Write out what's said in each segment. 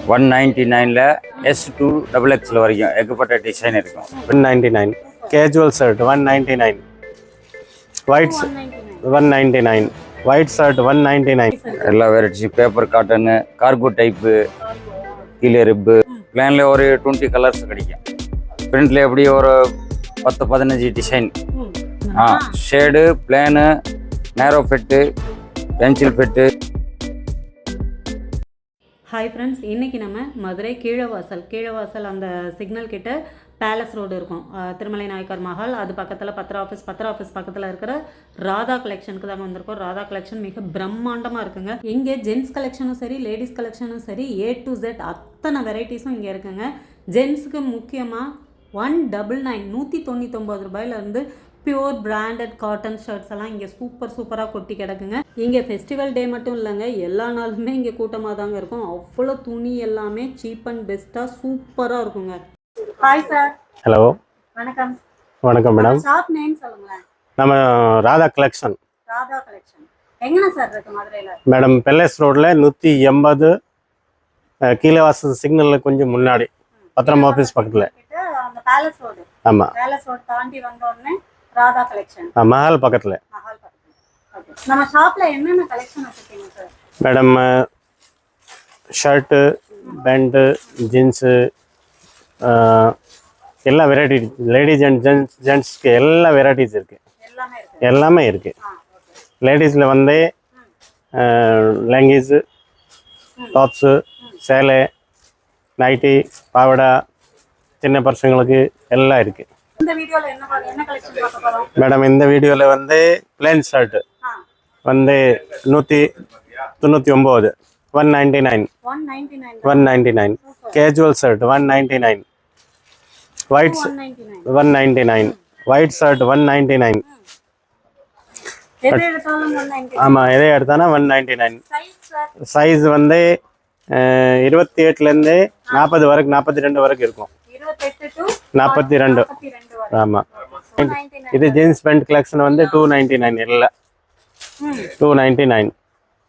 199ல S2 XXL வரைக்கும் ஏகப்பட்ட design இருக்கும். 199 casual shirt 199 white 199 white shirt 199 எல்லா varieties paper cotton cargo type கீழே ரிப்பு பிளான்ல ஒரு 20 கலர்ஸ் கிடைக்கும். பிரிண்ட்ல எப்படி ஒரு 10-15 design shade plain narrow fit pencil fit. Hi friends, இன்றைக்கி நம்ம மதுரை கீழவாசல் அந்த சிக்னல் கிட்ட பேலஸ் ரோடு இருக்கும், திருமலை நாயக்கர் மஹால். அது பக்கத்தில் பத்திர ஆஃபீஸ் பக்கத்தில் இருக்கிற ராதா கலெக்ஷனுக்கு தாங்க வந்திருக்கோம். ராதா கலெக்ஷன் மிக பிரம்மாண்டமாக இருக்குங்க. இங்கே ஜென்ஸ் கலெக்ஷனும் சரி லேடிஸ் கலெக்ஷனும் சரி A to Z அத்தனை வெரைட்டிஸும் இங்கே இருக்குங்க. ஜென்ஸுக்கு முக்கியமாக 199 199 ரூபாயிலேருந்து பியூர் பிராண்டட் காட்டன் ஷர்ட்ஸ் எல்லாம் இங்கே சூப்பராக கொட்டி கிடக்குங்க. இங்கே ஃபெஸ்டிவல் டே மட்டும் இல்லைங்க, எல்லா நாளுமே இங்கே கூட்டமாக தாங்க இருக்கும். அவ்வளோ துணி எல்லாமே சீப் அண்ட் பெஸ்ட்டாக சூப்பராக இருக்குங்க. Hi sir. ஹலோ, வணக்கம். வணக்கம் மேடம். ஷாப் நேம் சொல்லுங்களேன். நம்ம ராதா கலெக்ஷன் எங்கண்ணா சார் இருக்கு மதுரையில்? மேடம் பேலஸ் ரோடில் 180 கீழவாசல் சிக்னலில் கொஞ்சம் முன்னாடி பத்திரம் ஆஃபீஸ் பக்கத்தில். அந்த பேலஸ் ரோடு. ஆமாம், பேலஸ் ரோடு தாண்டி வந்தோடனே ராதா கலெக்ஷன் மஹால் பக்கத்தில். நம்ம ஷாப்ல என்னென்ன கலெக்ஷன் வச்சிருக்கீங்க sir? Madam shirt pant jeans எல்லா வெரைட்டி, லேடிஸ் அண்ட் ஜென்ட்ஸ்க்கு எல்லா வெரைட்டிஸ் இருக்குது, எல்லாமே இருக்குது. லேடிஸில் வந்து லெங்கிஸு டாப்ஸு சேலை நைட்டி பாவடா சின்ன பசங்களுக்கு எல்லாம் இருக்குது. மேடம் இந்த வீடியோவில் வந்து பிளேன் ஷர்ட்டு வந்து 199 199 casual shirt 199 white 199 white shirt 199. ஆமாம், எதை எடுத்தானா 199. சைஸ் வந்து 28லேருந்து 40 வரைக்கும் 42 வரைக்கும் இருக்கும். 42. ஆமாம், இது ஜீன்ஸ் பேண்ட் கலெக்ஷன் வந்து 299 இல்லை 299.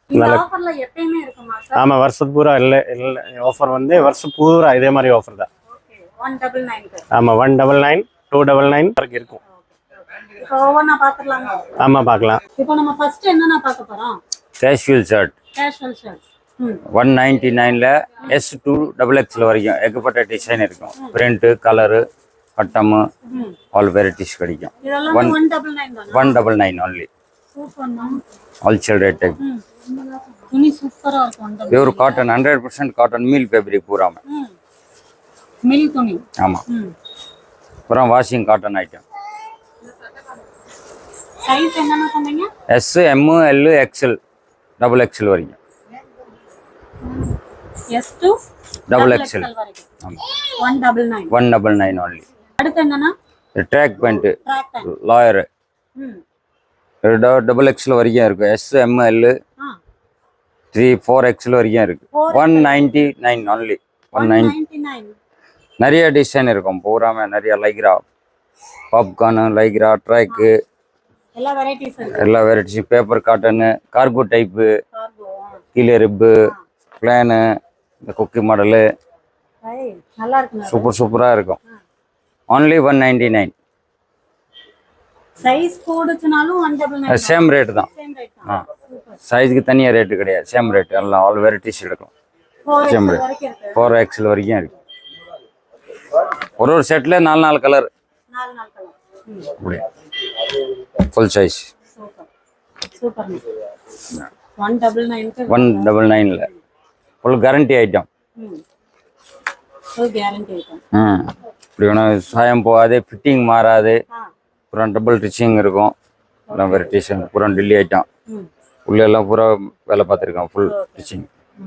ஆமாம், வருஷத்து பூரா இல்லை ஆஃபர் வந்து வருஷம் பூரா இதே மாதிரி ஆஃபர் தான். ஆமாம், 199 299 வரைக்கும் இருக்கும். ஆமாம், பார்க்கலாம். இப்போ நம்ம ஃபர்ஸ்ட் என்னன்னா பார்க்க போறோம். கேஷுவல் ஷர்ட் 199ல S2 XXL வரைக்கும் ஏகப்பட்ட டிசைன் இருக்கும். பிரிண்ட்டு கலரு பட்டமு ஆல் வெரைட்டிஸ் கிடைக்கும். 199 only. All shaded type. Pure cotton 100% cotton mill fabric பூராம மில் துணி. ஆமாம், பூரா வாஷிங் காட்டன் ஐட்டம். சைஸ் என்னன்னா சொன்னீங்க? S M L XL XXL வரைக்கும். S2 XXL. ஆமாம், 199 199 only. அடுத்து என்னன்னா ட்ராக் பேண்ட் லாயர் XXL வரைக்கும் இருக்கு. S M L 3-4XL வரைக்கும் இருக்கு. 199 only. 199. நிறைய டிசைன் இருக்கும் பூராம, நிறைய லைக்ரா பாப்கார்னு லைக்ரா ட்ராக்கு எல்லா வெரைட்டிஸும் பேப்பர் காட்டனு கார்கோ டைப்பு கீழே ரிப்பு பிளானு இந்த குக்கி மாடலு சூப்பராக இருக்கும். only 199. சைஸ் போடுச்சுனாலும் 199 சேம் ரேட் தான். சைஸ்க்கு தனியாக ரேட்டு கிடையாது, சேம் ரேட். எல்லாம் ஆல் வெரைட்டிஸ் எடுக்கும். சேம் ரேட் 4XL வரைக்கும் இருக்கு. ஒரு செட்டில் 4 கலர் ஃபுல் சைஸ். 199ல ஃபுல் கேரண்டி ஐட்டம். இப்படி வேணும், சாயம் போகாது, ஃபிட்டிங் மாறாது, அப்புறம் டபுள் ஸ்டிச்சிங் இருக்கும். எல்லாம் வெரைட்டிஸ் பூரா டெல்லி ஐட்டம். உள்ள எல்லாம் பூரா வேலை பார்த்துருக்கோம், full stitching.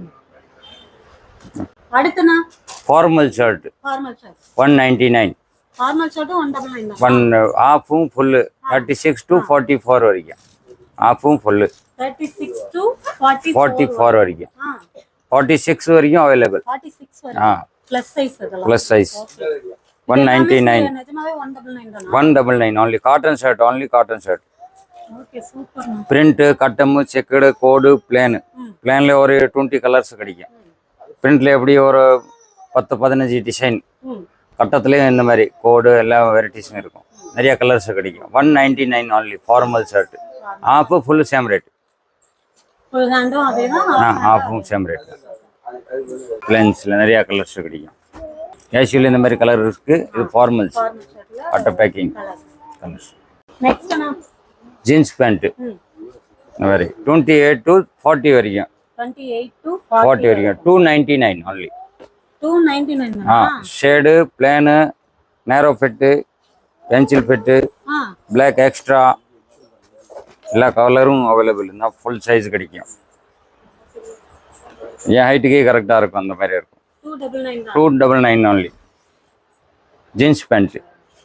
Formal shirt 199. One ஆஃபும் ஃபுல்லு 36 to 44 வரைக்கும். ஆஃபும் ஃபுல்லு 36 to 44 வரைக்கும். 46 வரைக்கும் available. Plus size 199. 199 only. Cotton shirt, only cotton shirt. Print கட்டமு செக்குடு கோடு பிளேனு. பிளேனில் ஒரு 20 கலர்ஸ் கிடைக்கும். பிரிண்ட்ல எப்படி ஒரு 10-15 டிசைன், ம் கட்டத்துலேயும் இந்த மாதிரி கோடு எல்லா வெரைட்டிஸும் இருக்கும். நிறைய கலர்ஸ் கிடைக்கும். 199 only formal shirt. Half full same rate. Full ஹேண்டும் அதே தான். ஆஃபும் சேம் ரேட். பிளென்ஸில் நிறையா கலர்ஸ் கிடைக்கும். கேஷுவல் இந்த மாதிரி கலர் இருக்குது. இது ஃபார்மல்ஸ் பட்டை பேக்கிங் கலர்ஸ். நெக்ஸ்ட் அண்ணா ஜீன்ஸ் பேண்ட்டு இந்த மாதிரி 28 to 40 வரைக்கும். 28 to 40 வரைக்கும் 299 only. 299 shade, plain, narrow fit, pencil fit, black extra எல்லா கலரும் அவைலபிள் இருந்தால் ஃபுல் சைஸ் கிடைக்கும். என் ஹைட்டுக்கே கரெக்டாக இருக்கும். அந்த மாதிரி இருக்கும். 299 only. ஜீன்ஸ் பேண்ட்டு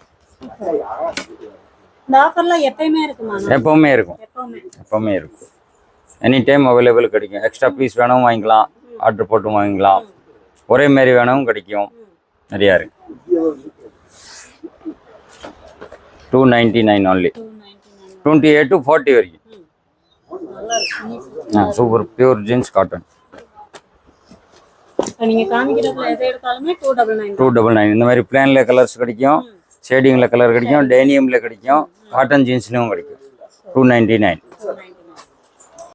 இந்த ஆஃபர்ல எப்பயுமே இருக்குமா? எப்போவுமே இருக்கும். எப்போவுமே இருக்கும். எனி டைம் அவைலபிள் கிடைக்கும். எக்ஸ்ட்ரா பீஸ் வேணும் வாங்கிக்கலாம், ஆர்டர் போட்டு வாங்கிக்கலாம். ஒரே மாரி வேணும் கிடைக்கும். நிறையா இருக்கு. 299 only. 28 to 40 வரைக்கும். Super pure jeans cotton. நீங்க காமிக்கிறதுல எதை எடுத்தாலுமே 299. 299 இந்த மாதிரி பிளான்ல கலர்ஸ் கிடைக்கும், ஷேடிங்ல கலர் கிடைக்கும், டேனியம்ல கிடைக்கும், காட்டன் ஜீன்ஸ்லயும் கிடைக்கும். 299.